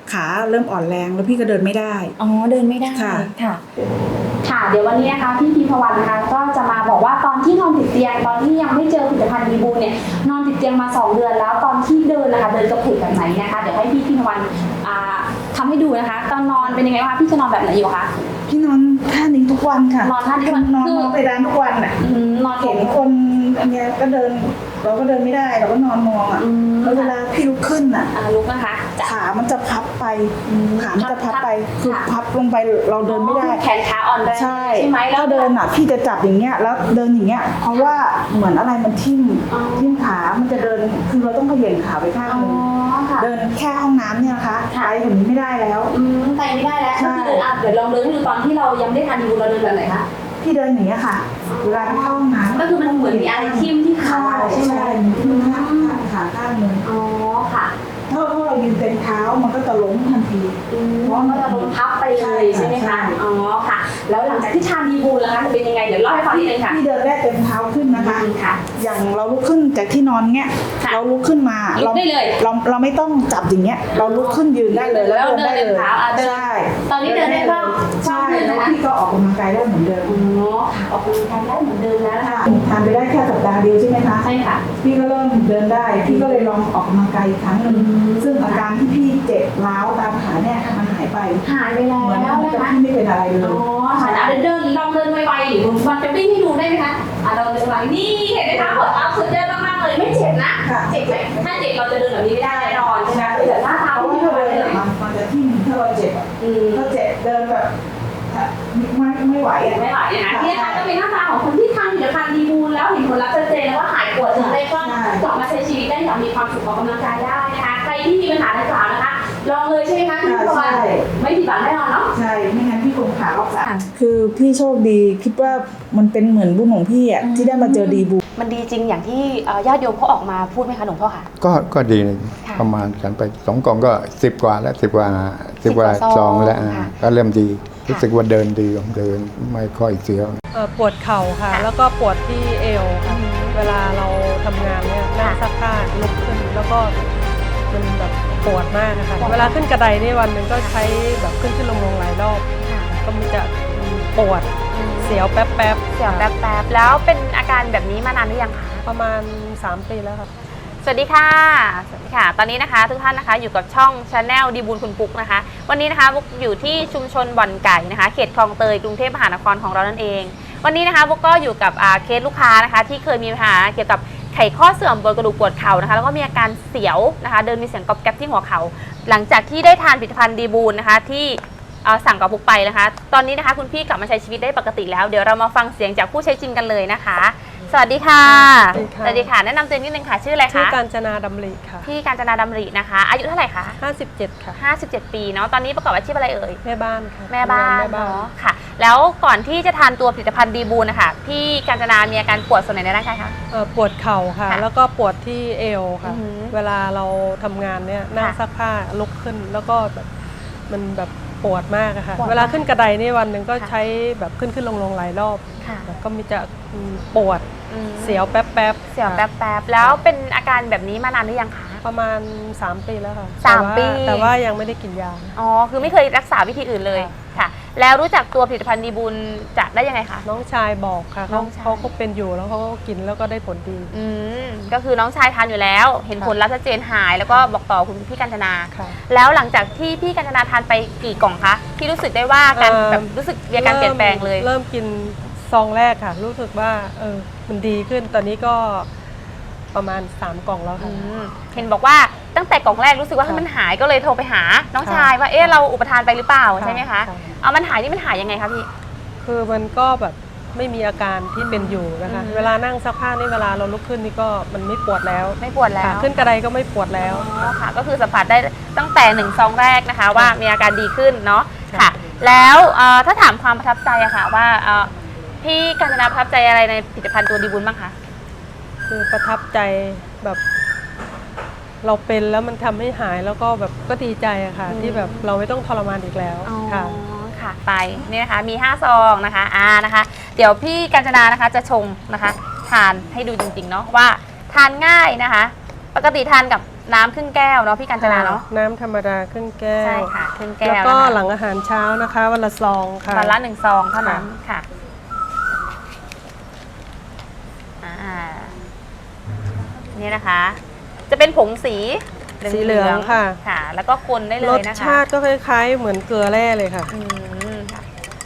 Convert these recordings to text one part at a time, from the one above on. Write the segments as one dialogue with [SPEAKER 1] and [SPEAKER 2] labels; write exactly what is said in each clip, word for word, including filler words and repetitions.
[SPEAKER 1] ขาเริ่มอ่อนแรงแล้วพี่ก็เดินไม่ได้
[SPEAKER 2] อ๋อเดินไม่ได้
[SPEAKER 1] ค่ะ
[SPEAKER 2] ค่ะค่ะเดี๋ยววันนี้นะคะพี่พิมพวรรณนะคะก็จะมาบอกว่าตอนที่นอนติดเตียงตอนที่ยังไม่เจอผลิตภัณฑ์ดีบูเนี่ยนอนติดเตียงมาสองเดือนแล้วตอนที่เดินนะคะเดินกระเพกแบบไหนนะคะเดี๋ยวให้พี่พิมพวรรณทำให้ดูนะคะตอนนอนเป็นยังไงบ้างพี่จะนอนแบบไหนอยู่คะ
[SPEAKER 1] พี่นอนท่านี้ทุกวันค่ะ
[SPEAKER 2] นอนท่านี้ทุกวัน
[SPEAKER 1] นอนนอนไปร้านทุกวันอ่ะ
[SPEAKER 2] นอน
[SPEAKER 1] เห็นคนอันเนี้ยก็เดินเราก็เดินไม่ได้เราก็นอนมองอ่ะแล้วเวลาพี่ลุกขึ้นอ่ะ
[SPEAKER 2] ลุกนะคะ
[SPEAKER 1] ขามันจะพับไปขามันจะพับไปคือพับลงไปเราเดินไม่ได้
[SPEAKER 2] แขนขาอ่อนแรง
[SPEAKER 1] ใช่ไหมแล้วเดินอ่ะพี่จะจับอย่างเงี้ยแล้วเดินอย่างเงี้ยเพราะว่าเหมือนอะไรมันทิ่มทิ่มขามันจะเดินคือเราต้องเขย่งขาไปข้างนึงเดินแค่ห้องน้ำเนี่ยนะคะไปแบบนี้ไม่ได้แล้ว
[SPEAKER 2] ไปไม่ได้แล้วก็คือเดินอ่ะเดี๋ยวลองเดินให้ดูตอนที่เรายังไม่ทานดีบูเราเดินแบบไหนคะ
[SPEAKER 1] พี่เดินอย่างเงี้ยค่ะเวลาไปเข้าห้องน้ำ
[SPEAKER 2] ก็คือมันเหมือนมีอะไรทิ่มที่ขาใช่ไหม
[SPEAKER 1] ทิ่มขาขาข้างนึง
[SPEAKER 2] อ๋อค่ะ
[SPEAKER 1] ถ้าเรายืนเต็มเท้ามันก็จะล้มทันที
[SPEAKER 2] เพราะมันจะล้มพับไปเลยใช่ไหมคะอ๋อค่ะแล้วหลังจากที่ทานดีบูแล้วจะเป็นยังไงเดี๋ยวเล่าให้ฟังนิดนึงค่ะ
[SPEAKER 1] พี่เดินได้เต็มเท้าขึ้นนะคะอย่างเราลุกขึ้นจากที่นอนเงี้ยเราลุกขึ้นมา
[SPEAKER 2] เราได้เลย
[SPEAKER 1] เราเราไม่ต้องจับอย่างเงี้ยเราลุกขึ้นยืนได้เลยแล้วเดินได้เลย
[SPEAKER 2] ใช่ตอนนี้เดินได้บ้าง
[SPEAKER 1] ใช่แล้วพี่ก็ออกกำลังกายได้เหมือนเดิม
[SPEAKER 2] อ๋อออกกำลังกายได้เหมือนเดิมแล้วค่ะ
[SPEAKER 1] ทานไปได้แค่สัปดาห์เดียวใช่ไหมคะ
[SPEAKER 2] ใช่ค่ะ
[SPEAKER 1] พี่ก็เริ่มเดินได้พี่ก็เลยลองออกกำลังกายอีกครั้งหนึ่งซึ่งอาการที่พี่เจ็บร้าวตามขาเนี่ยมันหายไป
[SPEAKER 2] หายไปแล้ว
[SPEAKER 1] นะคะพี่ไม่เป็นอะไรเลย
[SPEAKER 2] อ๋อค่ะเดินเดินลองเดินไวๆหรือมันจะวิ่งให้ดูได้ไหมคะอ่ะเราเดินไวนี่เห็นไหมคะปวดเท้าสุดยอดมากๆเลยไม่เจ็บนะเจ็บไหมถ้าเจ็บเราจะเดินแบบนี้ไม่ได้แน่นอนใช่ไหมเดี๋ยวหน้าเท้า
[SPEAKER 1] ที่เราเดินมันจะที่ถ้าเราเจ็บถ้าเจ็บเดินแบบไม่ไม่ไหวอ่ะ
[SPEAKER 2] ไม่ไหวนะที่นะคะก็เป็นหน้าตาของคนที่ทานผลิตภัณฑ์ดีบูลแล้วเห็นผลลัพธ์ชัดเจนแล้วว่าหายปวดถึงได้ก็กลับมาใช้ชีวิตได้อย่างมีความสุขออกกำลังกายได้นะคะใครที่มีปัญหาดังกล่าวนะคะลองเลยใช่ไหมคะพี่พรไม่ผิดหวังแน่นอนเนาะ
[SPEAKER 1] ใช่ไม่งั้นพี่คงขาออกสายคือพี่โชคดีคิดว่ามันเป็นเหมือนบุญของพี่อ่ะที่ได้มาเจอดีบู
[SPEAKER 2] มันดีจริงอย่างที่ญาติโยมเขาออกมาพูดไหมคะหลวงพ่อค่ะ
[SPEAKER 3] ก็ก็ดีประมาณกันไปสองกล่องก็สิบกว่าแล้วสิบกว่าสิบกว่าซองแล้วก็เริ่มดีรู้สึกว่าเดินดีเดินไม่ค่อยเสียว
[SPEAKER 4] ปวดเข่าค่ะแล้วก็ปวดที่เอวค่ะเวลาเราทำงานเนี่ยนั่งซักผ้าลุกขึ้นแล้วก็มันแบบปวดมากนะคะเวลาขึ้นกระไดนี่วันหนึ่งก็ใช้แบบขึ้นขึ้นลงลงหลายรอบก็มันจะปวดเสียวแป๊บแป๊บ
[SPEAKER 2] เสียวแป๊บแป๊บแล้วเป็นอาการแบบนี้มานานหรือยังคะ
[SPEAKER 4] ประมาณสามปีแล้วค่ะ
[SPEAKER 2] สวัสดีค่ะสวัสดีค่ะตอนนี้นะคะทุกท่านนะคะอยู่กับช่อง Channel ดีบูลคุณปุ๊กนะคะวันนี้นะคะบุ๊กอยู่ที่ชุมชนบ่อนไก่นะคะเขตคลองเตยกรุงเทพมหานครของเรานั่นเองวันนี้นะคะบุ๊กก็อยู่กับเคสลูกค้านะคะที่เคยมีปัญหาเกี่ยวกับไขข้อเสื่อมบนกระดูกปวดเข่านะคะแล้วก็มีอาการเสียวนะคะเดินมีเสียงกรอบแกรบที่หัวเข่าหลังจากที่ได้ทานผลิตภัณฑ์ดีบูลนะคะที่สั่งกับบุ๊กไปนะคะตอนนี้นะคะคุณพี่กลับมาใช้ชีวิตได้ปกติแล้วเดี๋ยวเรามาฟังเสียงจากผู้ใช้จริงกันเลยนะคะสวัสดีค่ะสวัสดีค่ะแนะนำตัวนิดนึงค่ะชื่ออะไรคะ
[SPEAKER 4] ชื่อกาญจนาดำริค่ะ
[SPEAKER 2] พี่กาญจนาดำรินะคะอายุเท่าไหร่คะ
[SPEAKER 4] ห้าสิบเจ็ดค่ะ
[SPEAKER 2] ห้าสิบเจ็ดปีเนาะตอนนี้ประกอบอาชีพอะไรเอ่ย
[SPEAKER 4] แม่บ้านค่ะ
[SPEAKER 2] แม่บ้านเนาะค่ะแล้วก่อนที่จะทานตัวผลิตภัณฑ์ดีบูลนะคะพี่กาญจนามีอาการปวดส่วนไหนในร่างกายคะ
[SPEAKER 4] ปวดเข่าค่ะแล้วก็ปวดที่เอวค่ะเวลาเราทำงานเนี่ยนั่งซักผ้าลุกขึ้นแล้วก็แบบมันแบบปวดมากค่ะเวลาขึ้นกระไดนี่วันหนึ่งก็ใช้แบบขึ้นขึ้นลงลงหลายรอบก็มีจะปวดเสียวแป๊บแป๊บ
[SPEAKER 2] เสียวแป๊บแป๊บแล้วเป็นอาการแบบนี้มานานหรือยังคะ
[SPEAKER 4] ประมาณสามปีแล้วค่ะ
[SPEAKER 2] สามปี
[SPEAKER 4] แต่ว่ายังไม่ได้กินยา
[SPEAKER 2] อ๋อคือไม่เคยรักษาวิธีอื่นเลยค่ะแล้วรู้จักตัวผลิตภัณฑ์ดีบูลจะได้ยังไงคะ
[SPEAKER 4] น้องชายบอกค่ะเขาเขาก็เป็นอยู่แล้วเขาก็กินแล้วก็ได้ผลดี
[SPEAKER 2] อืมก็คือน้องชายทานอยู่แล้วเห็นผลลัพธ์ชัดเจนหายแล้วก็บอกต่อคุณพี่กาญจนาแล้วหลังจากที่พี่กาญจนาทานไปกี่กล่องคะที่รู้สึกได้ว่าการแบบรู้สึกมีการเปลี่ยนแปลงเลย
[SPEAKER 4] เริ่มกินซองแรกค่ะรู้สึกว่าเออมันดีขึ้นตอนนี้ก็ประมาณสามกล่องแล้วค่ะ
[SPEAKER 2] เห็นบอกว่าตั้งแต่กล่องแรกรู้สึกว่ามันหายก็เลยโทรไปหาน้องชายว่าเอ๊ะเราอุปทานไปหรือเปล่าใช่ไหมคะเอามันหายนี่มันหายยังไงคะพี่
[SPEAKER 4] คือมันก็แบบไม่มีอาการที่เป็นอยู่นะคะเวลานั่งซักผ้านี่เวลาเราลุกขึ้นนี่ก็มันไม่ปวดแล้ว
[SPEAKER 2] ไม่ปวดแล้ว
[SPEAKER 4] ขึ้นกระไดก็ไม่ปวดแล้ว
[SPEAKER 2] ค่ะก็คือสัมผัสได้ตั้งแต่หนึ่งซองแรกนะคะว่ามีอาการดีขึ้นเนาะค่ะแล้วถ้าถามความประทับใจอะค่ะว่าพี่กาญจนาประทับใจอะไรในผลิตภัณฑ์ตัวดีบูลบ้างคะ
[SPEAKER 4] คือประทับใจแบบเราเป็นแล้วมันทำให้หายแล้วก็แบบก็ดีใจอะค่ะที่แบบเราไม่ต้องทรมานอีกแล้วค่ะ
[SPEAKER 2] ค่ะไปนี่นะคะมีห้าซองนะคะอ่านะคะเดี๋ยวพี่กาญจนานะคะจะชงนะคะทานให้ดูจริงๆเนาะว่าทานง่ายนะคะปกติทานกับน้ำครึ่งแก้วเนาะพี่กัญจนาเนาะ
[SPEAKER 4] น้ำธรรมดาครึ่งแก้ว
[SPEAKER 2] ใช่ค่ะครึ่งแก้ว
[SPEAKER 4] แล้วก็
[SPEAKER 2] นะคะ
[SPEAKER 4] หลังอาหารเช้านะคะวันละซองค่ะ
[SPEAKER 2] วันละหนึ่งซองเท่านั้นค่ะอ่านี่นะคะ จะเป็นผงสี
[SPEAKER 4] สีเหลืองค่ะ
[SPEAKER 2] ค่ะ แล้วก็คนได้เล
[SPEAKER 4] ร
[SPEAKER 2] ย
[SPEAKER 4] ส
[SPEAKER 2] นะคะ
[SPEAKER 4] ชาติก็คล้ายๆ เหมือนเกลือแร่เลยค่ะ
[SPEAKER 2] อืมค่ะ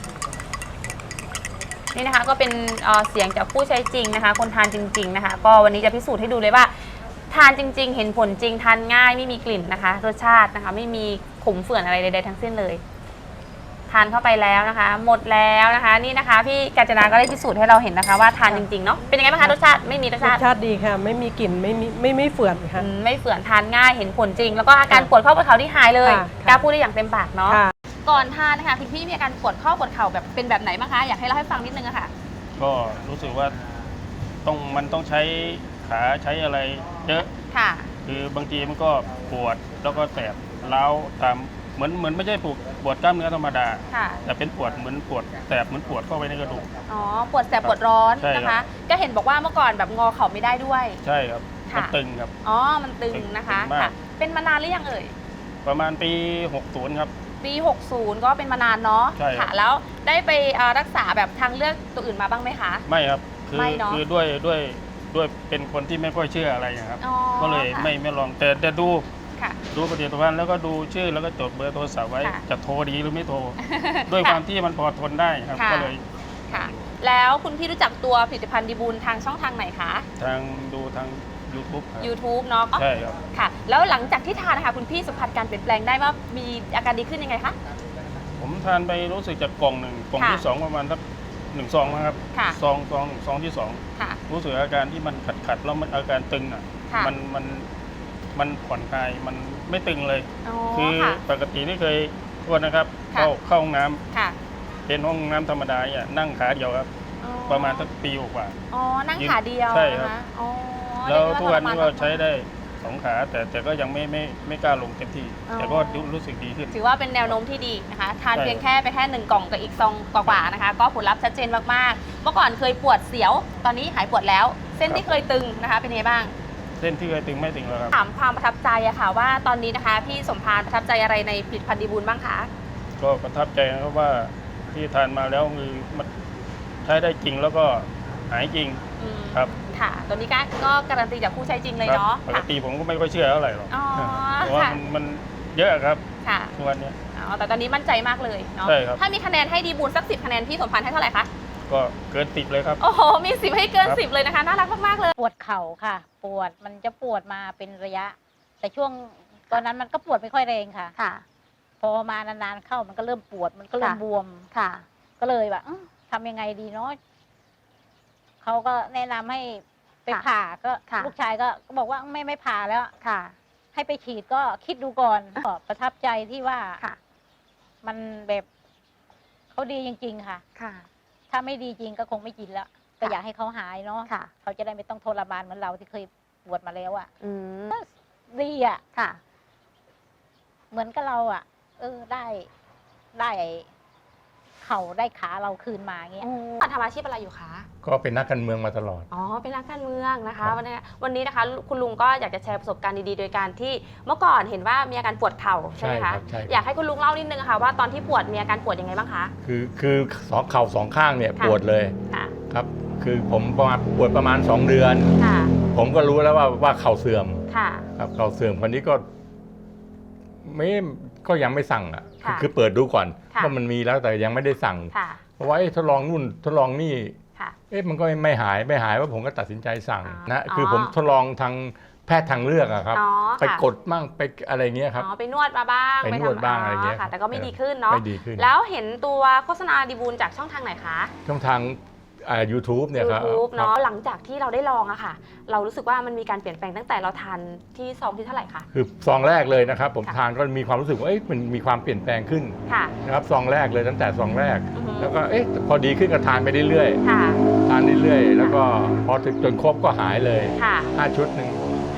[SPEAKER 2] นี่นะคะก็เป็นเอ่อเสียงจากผู้ใช้จริงนะคะ คนทานจริง ๆนะคะ ก็วันนี้จะพิสูจน์ให้ดูเลยว่า ทานจริง ๆ เห็นผลจริงทานง่ายไม่มีกลิ่นนะคะ รสชาตินะคะ ไม่มีขมเฝื่อนอะไรใดๆทั้งสิ้นเลย ทานเข้าไปแล้วนะคะ หมดแล้วนะคะ นี่นะคะพี่กัญจนาก็ได้พิสูจน์ให้เราเห็นนะคะ ว่าทานจริงๆเนาะเป็นยังไงบ้างคะรสชาติไม่มีรส
[SPEAKER 4] ร
[SPEAKER 2] ชา
[SPEAKER 4] ส
[SPEAKER 2] ติ
[SPEAKER 4] ชาติดีค่ะ ไม่มีกลิ่นไม่มีไม่ไม่เฝื่อนค่ะ
[SPEAKER 2] อืมไม่เฝื่อนทานง่ายเห็นผลจริง แล้วก็อาการปวดข้อปวดเข่าที่หายเลย
[SPEAKER 4] ค่ะ
[SPEAKER 2] กล้าพูดได้อย่างเต็มปากเนาะ
[SPEAKER 4] ค่ะ
[SPEAKER 2] ก่อนทานนะคะคุณพี่มีอาการปวดข้อปวดเข่าแบบเป็นแบบไหนบ้างคะอยากให้เล่าให้ฟังนิดนึงอะค่ะ
[SPEAKER 5] ก็รู้สึกว่าต้องมันต้องใช้ขาใช้อะไรเยอะ
[SPEAKER 2] ค่ะ
[SPEAKER 5] คือบางทีมันก็ปวดแล้วก็แสบเล้าวตามเหมือนเหมือนไม่ใช่ปวดปวดกล้ามเนื้อธรรมดา
[SPEAKER 2] ค่ะ
[SPEAKER 5] แต่เป็นปวดเหมือนปวดแสบเหมือนปวดเข้าไปในกระดูก
[SPEAKER 2] อ๋อปวดแสบปวดร้อน
[SPEAKER 5] ใช่ครับ
[SPEAKER 2] นะคะ ก็เห็นบอกว่าเมื่อก่อนแบบงอเข่าไม่ได้ด้วย
[SPEAKER 5] ใช่ครับ
[SPEAKER 2] ค่ะ
[SPEAKER 5] มันตึงครับ
[SPEAKER 2] อ๋อมันตึงนะคะ
[SPEAKER 5] ตึงมาก
[SPEAKER 2] ค่ะ เป็นมานานหรือยังเอ่ย
[SPEAKER 5] ประมาณปีหกสิบครับ
[SPEAKER 2] ปี หกสิบ ก็เป็นมานานเนาะ
[SPEAKER 5] ใช่ครับ
[SPEAKER 2] ค่ะ แล้วได้ไปเอ่อรักษาแบบทางเลือกตัวอื่นมาบ้างไหมคะ
[SPEAKER 5] ไม่ครับคือ
[SPEAKER 2] ไม่เนอะ
[SPEAKER 5] คือด้วยด้วยด้วยเป็นคนที่ไม่ค่อยเชื่ออะไรนะครับ
[SPEAKER 2] อ๋อ
[SPEAKER 5] ก็เลย
[SPEAKER 2] ค่ะ
[SPEAKER 5] ไม่ไม่ลองแต่แต่ดู
[SPEAKER 2] ค่ะ
[SPEAKER 5] ดูปฏิทินแล้วก็ดูชื่อแล้วก็จดเบอร์โทรศัพท์ไว้
[SPEAKER 2] ค่ะ
[SPEAKER 5] จะโทรดีหรือไม่โทร ด้วยความที่มันพอทนได้ครับ
[SPEAKER 2] ค่ะ
[SPEAKER 5] ก็เลย
[SPEAKER 2] ค่ะ แล้วคุณพี่รู้จักตัวผลิตภัณฑ์ดีบูลทางช่องทางไหนคะ
[SPEAKER 5] ทางดูทาง YouTube ครับ
[SPEAKER 2] YouTube เนาะ
[SPEAKER 5] ใช่ครับ
[SPEAKER 2] ค่ะ แล้วหลังจากที่ทานนะคะคุณพี่สัมผัสการเปลี่ยนแปลงได้ว่ามีอาการดีขึ้นยังไงคะ
[SPEAKER 5] ผมทานไปรู้สึกจากกล่องหนึ่งกล่อง
[SPEAKER 2] ค่ะ
[SPEAKER 5] ที่สองประมาณสักหนึ่งซองนะครับ
[SPEAKER 2] ค่ะ
[SPEAKER 5] ซองซองซองที่สอง
[SPEAKER 2] ค่ะ
[SPEAKER 5] รู้สึกอาการที่มันขัดขัดๆแล้วมันอาการตึงอ่ะ
[SPEAKER 2] ค่ะ
[SPEAKER 5] มันมันมันผ่อนคลายมันไม่ตึงเลย
[SPEAKER 2] อ๋อ
[SPEAKER 5] คือ
[SPEAKER 2] ค่ะ
[SPEAKER 5] ปกติที่เคยโทษนะครับ
[SPEAKER 2] ค่ะ
[SPEAKER 5] เข้าเข้าห้องน้ำ
[SPEAKER 2] ค่ะ
[SPEAKER 5] เป็นห้องน้ำธรรมดาเนี่ยนั่งขาเดียวครับ
[SPEAKER 2] อ๋อ
[SPEAKER 5] ประมาณสักปีกว่า
[SPEAKER 2] อ๋อ นั่งขาเดียว
[SPEAKER 5] ใช่ครับ
[SPEAKER 2] นะคะอ๋อ
[SPEAKER 5] แล้ว
[SPEAKER 2] เรีย
[SPEAKER 5] ทุก
[SPEAKER 2] ได้
[SPEAKER 5] วันนี้ก็
[SPEAKER 2] ทรม
[SPEAKER 5] ใช้ได้สองขาแต่แต่ก็ยังไม่ไม่ไม่กล้าลงเต็มที่
[SPEAKER 2] อ๋อ
[SPEAKER 5] แต่ก็รู้สึกดีขึ้น
[SPEAKER 2] ถือว่าเป็นแนวโน้มที่ดีนะคะ ทาน
[SPEAKER 5] ใช่
[SPEAKER 2] เพียงแค่ไปแค่หนึ่งกล่องกับอีกซองกว่าๆนะคะ ก็ผลลัพธ์ชัดเจนมากๆ เมื่อก่อนเคยปวดเสียว ตอนนี้หายปวดแล้ว เส้นที่เคยตึงนะคะ เป็นยังไงบ้าง
[SPEAKER 5] เส้นที่เคยตึงไม่ตึงแล้วครับ
[SPEAKER 2] ถามความประทับใจอะค่ะว่าตอนนี้นะคะ พี่สมพานประทับใจอะไรในผลิตภัณฑ์ดีบูลบ้างคะ
[SPEAKER 5] ก็ประทับใจนะครับว่าที่ทานมาแล้วคือมันใช้ได้จริงแล้วก็หายจริง
[SPEAKER 2] อืม
[SPEAKER 5] ครับ
[SPEAKER 2] ค่ะตัวนี้ก็ก็การันตีจากผู้ใช้จริงเลย
[SPEAKER 5] ครับ
[SPEAKER 2] เนาะ
[SPEAKER 5] ปก
[SPEAKER 2] ค่ะ
[SPEAKER 5] ติผมก็ไม่ค่อยเชื่อเท่าไหร่หรอก
[SPEAKER 2] อ๋อ
[SPEAKER 5] เพราะว่า
[SPEAKER 2] ค่ะ
[SPEAKER 5] มันมันเยอะครับ
[SPEAKER 2] ค่ะ
[SPEAKER 5] ทุกวันเนี้ย
[SPEAKER 2] อ๋อแต่ตอนนี้มั่นใจมากเลยเนาะ
[SPEAKER 5] ใช่ครับ
[SPEAKER 2] ถ้ามีคะแนนให้ดีบูลสักสิบคะแนนพี่สมพานให้เท่าไหร่คะ
[SPEAKER 5] ก็เกินติดเลยครับ
[SPEAKER 2] โอ้โห มีสิบให้เกิน
[SPEAKER 5] ครับ
[SPEAKER 2] สิบเลยนะคะ น่ารักมาก ๆ เลย
[SPEAKER 6] ปวดเข่าค่ะ ปวดมันจะปวดมาเป็นระยะ แต่ช่วงตอนนั้นมันก็ปวดไม่ค่อยแรงค่ะ
[SPEAKER 2] ค่ะ
[SPEAKER 6] พอมานานๆเข้ามันก็เริ่มปวดมันก็เริ่ม
[SPEAKER 2] ค่ะ
[SPEAKER 6] บวม
[SPEAKER 2] ค่ะ
[SPEAKER 6] ก็เลยแบบอื้อทำยังไงดีเนาะเขาก็แนะนำให้ไป
[SPEAKER 2] ค่ะ
[SPEAKER 6] ผ่าก็
[SPEAKER 2] ค่ะ
[SPEAKER 6] ลูกชายก็ก็บอกว่าไม่ไม่ผ่าแล้ว
[SPEAKER 2] ค่ะ
[SPEAKER 6] ให้ไปฉีดก็คิดดูก่อนก็ประทับใจที่ว่า
[SPEAKER 2] ค่ะ
[SPEAKER 6] มันแบบเขาดีจริง ๆ ค่ะ
[SPEAKER 2] ค่ะ
[SPEAKER 6] ถ้าไม่ดีจริงก็คงไม่กินแล้วก็อยากให้เขาหายเนาะ
[SPEAKER 2] ค่ะ
[SPEAKER 6] เขาจะได้ไม่ต้องทรมานเหมือนเราที่เคยปวดมาแล้วอะ่ะ
[SPEAKER 2] อืม
[SPEAKER 6] ดีอะ่ะ
[SPEAKER 2] ค่ะ
[SPEAKER 6] เหมือนกับเราอะ่ะ เออได้ได้เข่าได้ขาเราคืนมาเงี้ย
[SPEAKER 2] ทำอาชีพอะไรอยู่คะ
[SPEAKER 3] ก็เป็นนักการเมืองมาตลอด
[SPEAKER 2] อ๋อ เป็นนักการเมืองนะ
[SPEAKER 3] ครั
[SPEAKER 2] คะ
[SPEAKER 3] บ
[SPEAKER 2] วันนี้วันนี้นะคะ คุณลุงก็อยากจะแชร์ประสบการณ์ดีๆ โดยการที่เมื่อก่อนเห็นว่ามีอาการปวดเข่าใช่ไหม
[SPEAKER 3] ครั
[SPEAKER 2] คะ
[SPEAKER 3] บใช่
[SPEAKER 2] อยากให้คุณลุงเล่านิดนึงค่ะว่าตอนที่ปวดมีอาการปวดยังไงบ้างคะ
[SPEAKER 3] คือคือสองเข่าสองข้างเนี่ย
[SPEAKER 2] ค่ะ
[SPEAKER 3] ปวดเลย
[SPEAKER 2] ค่ะ
[SPEAKER 3] ครับ คือผมประมาณปวดประมาณสองเดือน
[SPEAKER 2] ค่ะ
[SPEAKER 3] ผมก็รู้แล้วว่าว่าเข่าเสื่อม
[SPEAKER 2] ค่ะ
[SPEAKER 3] ครับเข่าเสื่อมคนนี้ก็ไม่ก็ยังไม่สั่งอ่ะ
[SPEAKER 2] ค่ะ
[SPEAKER 3] คือเปิดดูก่อน
[SPEAKER 2] ค่ะ
[SPEAKER 3] ว่ามันมีแล้วแต่ยังไม่ได้สั่ง
[SPEAKER 2] ค่ะ
[SPEAKER 3] เพราะว่าเอ๊ะทดลองนู่นทดลองนี่
[SPEAKER 2] ค่ะ
[SPEAKER 3] เอ๊ะมันก็ไม่หายไม่หายว่าผมก็ตัดสินใจสั่ง
[SPEAKER 2] อ๋อ
[SPEAKER 3] นะคืออ
[SPEAKER 2] อ
[SPEAKER 3] ผมทดลองทางแพทย์ทางเลือกอะครับ
[SPEAKER 2] อ๋อ
[SPEAKER 3] ไป
[SPEAKER 2] ค่ะ
[SPEAKER 3] กดมั่งไปอะไรเงี้ยครับ
[SPEAKER 2] อ๋อ ไปนวดมาบ้าง
[SPEAKER 3] ไปนวด
[SPEAKER 2] ทำ
[SPEAKER 3] บ้างอะไรเงี้ย
[SPEAKER 2] ค่ะ แต่ก็ไม่ดีขึ้นเนาะ
[SPEAKER 3] ไม่ดีขึ้น
[SPEAKER 2] แล้วเห็นตัวโฆษณาดีบูลจากช่องทางไหนคะ
[SPEAKER 3] ช่องทางอ่า YouTube เนี่ยครับ
[SPEAKER 2] YouTube
[SPEAKER 3] ครั
[SPEAKER 2] เนาะ
[SPEAKER 3] บ
[SPEAKER 2] หลังจากที่เราได้ลองอะค่ะ เรารู้สึกว่ามันมีการเปลี่ยนแปลงตั้งแต่เราทานที่ซองที่เท่าไหร่คะ
[SPEAKER 3] คือซองแรกเลยนะครับ ผม
[SPEAKER 2] ค่ะ
[SPEAKER 3] ทานก็มีความรู้สึกว่าเอ๊ะมันมีความเปลี่ยนแปลงขึ้น
[SPEAKER 2] ค่ะ
[SPEAKER 3] นะครับซองแรกเลยตั้งแต่ซองแรก
[SPEAKER 2] อือฮึ
[SPEAKER 3] แล้วก็เอ๊ะพอดีขึ้นก็ทานไปเรื่อย
[SPEAKER 2] ค่ะ
[SPEAKER 3] ๆทานเรื่อยๆแล้วก็พอถึงจนครบก็หายเลย
[SPEAKER 2] ค่ะ
[SPEAKER 3] ห้าชุดหนึ่ง
[SPEAKER 2] ห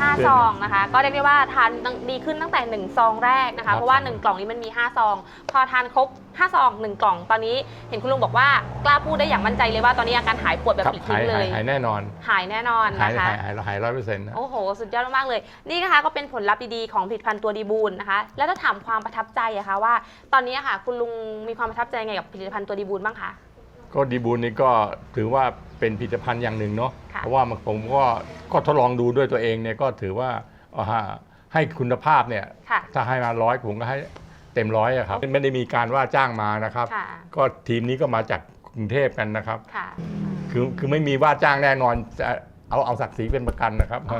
[SPEAKER 2] ห้า
[SPEAKER 7] เดือน
[SPEAKER 2] ซ
[SPEAKER 7] หนึ่ง
[SPEAKER 2] องนะคะ ก็เรียกได้ว่าทานดีขึ้นตั้งแต่หนึ่งซองแรกนะ
[SPEAKER 7] ครั
[SPEAKER 2] คะ
[SPEAKER 7] บ
[SPEAKER 2] เพราะว่าหนึ่งกล่องนี้มันมีห้าซอง พอทานครบห้าซองหนึ่งกล่องตอนนี้เห็นคุณลุงบอกว่ากล้าพูดได้อย่างมั่นใจเลยว่าตอนนี้อาการหายปวดแบบ
[SPEAKER 7] ครับ
[SPEAKER 2] ปลิด
[SPEAKER 7] หา
[SPEAKER 2] ทิ้
[SPEAKER 7] ย
[SPEAKER 2] งเล
[SPEAKER 7] หาย
[SPEAKER 2] ย
[SPEAKER 7] หายแน่นอน
[SPEAKER 2] หายแน่นอน
[SPEAKER 7] หาย
[SPEAKER 2] นะคะ
[SPEAKER 7] หายหายหายร้อยเปอร์เซ็นต์นะ
[SPEAKER 2] โอ้โห สุดยอดมากๆเลย นี่นะคะก็เป็นผลลัพธ์ดีๆของผลิตภัณฑ์ตัวดีบูลนะคะ แล้วถ้าถามความประทับใจอะคะว่า ตอนนี้อะค่ะคุณลุงมีความประทับใจไงกับผลิตภัณฑ์ตัวดีบูลบ้างคะ
[SPEAKER 7] ก็ดีบูลนี่ก็ถือว่าเป็นผลิตภัณฑ์อย่างหนึ่งเนาะ
[SPEAKER 2] ค่ะ
[SPEAKER 7] เพราะว่าผมก็ก็ทดลองดูด้วยตัวเองเนี่ยก็ถือว่าเอาฮะให้คุณภาพเนี่ย
[SPEAKER 2] ค่ะ
[SPEAKER 7] ถ้าให้มาร้อยผมก็ให้เต็มร้อยอะครับไม่ได้มีการว่าจ้างมานะครับ
[SPEAKER 2] ค่ะ
[SPEAKER 7] ก็ทีมนี้ก็มาจากกรุงเทพกันนะครับ
[SPEAKER 2] ค่ะ
[SPEAKER 7] คือคือไม่มีว่าจ้างแน่นอนจะเอาเอาศักดิ์ศรีเป็นประกันนะครับ